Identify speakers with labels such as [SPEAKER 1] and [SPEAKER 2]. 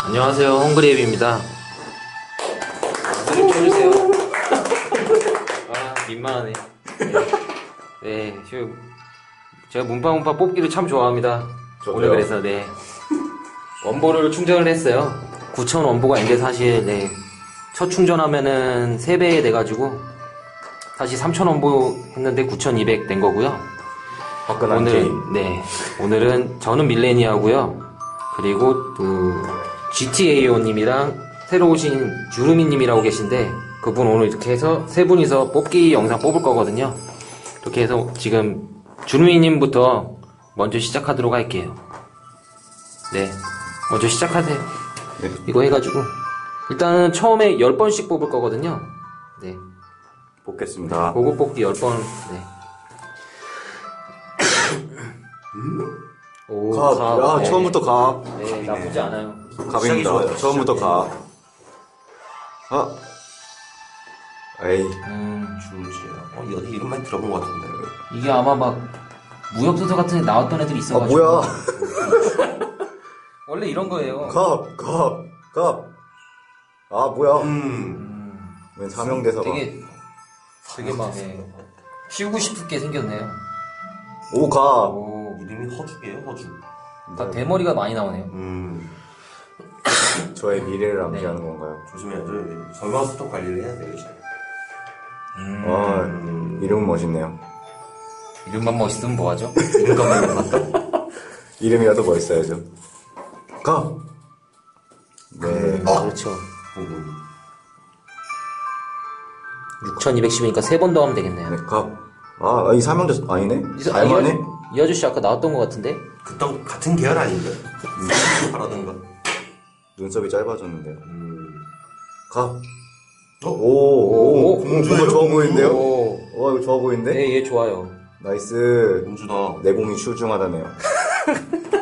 [SPEAKER 1] 안녕하세요, 헝그리앱입니다. 노래 켜주세요. 아, 민망하네. 네, 제가 문파문파 뽑기를 참 좋아합니다.
[SPEAKER 2] 저도요.
[SPEAKER 1] 오늘 그래서, 네. 원보를 충전을 했어요. 9,000 원보가 이제 사실, 네. 첫 충전하면은 3배 돼가지고, 다시 3,000 원보 했는데 9,200 된 거고요.
[SPEAKER 2] 화끈한 게임.
[SPEAKER 1] 네. 오늘은 저는 밀레니아고요. 그리고 GTAO님이랑 새로 오신 주루미님이라고 계신데 그분 오늘 이렇게 해서 세 분이서 뽑기 영상 뽑을 거거든요. 이렇게 해서 지금 주루미님부터 먼저 시작하도록 할게요. 네. 먼저 시작하세요.
[SPEAKER 2] 네.
[SPEAKER 1] 이거 해가지고 일단은 처음에 10번씩 뽑을 거거든요. 네.
[SPEAKER 2] 뽑겠습니다.
[SPEAKER 1] 고급 뽑기 10번. 네. 오,
[SPEAKER 2] 갑. 야,
[SPEAKER 1] 네.
[SPEAKER 2] 처음부터 갑.
[SPEAKER 1] 네, 나쁘지 않아요.
[SPEAKER 2] 갑입니다.
[SPEAKER 3] 좋아요.
[SPEAKER 2] 처음부터 갑. 아. 에이.
[SPEAKER 3] 주지야. 어디 이름만 들어본 것 같은데.
[SPEAKER 1] 이게 아마 막 무협소설 같은 데 나왔던 애들이
[SPEAKER 2] 아,
[SPEAKER 1] 있어가지고.
[SPEAKER 2] 뭐야.
[SPEAKER 1] 원래 이런 거예요.
[SPEAKER 2] 갑. 아, 뭐야. 웬 사명대사가.
[SPEAKER 1] 되게 막 키우고 싶게 생겼네요.
[SPEAKER 2] 오, 갑.
[SPEAKER 1] 오,
[SPEAKER 3] 이름이 허죽이에요, 허죽.
[SPEAKER 1] 다 대머리가 많이 나오네요.
[SPEAKER 2] 저의 미래를 암시하는
[SPEAKER 1] 네.
[SPEAKER 2] 건가요?
[SPEAKER 3] 조심해야죠. 설마 스톡 관리를 해야 돼요, 이제.
[SPEAKER 2] 아, 이름은 멋있네요.
[SPEAKER 1] 이름만 멋있으면 뭐하죠? 이름만 멋있다.
[SPEAKER 2] 이름이라도 멋있어야죠. 갑. 네.
[SPEAKER 1] 그렇죠. 6,210이니까 3번 더 하면 되겠네요.
[SPEAKER 2] 네, 갑. 아, 이 사명대사 아니네?
[SPEAKER 1] 이
[SPEAKER 2] 잘만해?
[SPEAKER 1] 아저씨 아까 나왔던 것 같은데?
[SPEAKER 3] 그땐 같은 계열 아닌가? 바라던가.
[SPEAKER 2] 눈썹이 짧아졌는데요. 갑.
[SPEAKER 1] 오,
[SPEAKER 2] 뭔가 좋아 보이는데요?
[SPEAKER 1] 오.
[SPEAKER 2] 와, 이거 좋아 보이는데?
[SPEAKER 1] 네, 얘 좋아요.
[SPEAKER 2] 나이스.
[SPEAKER 3] 공주다.
[SPEAKER 2] 내공이 출중하다네요.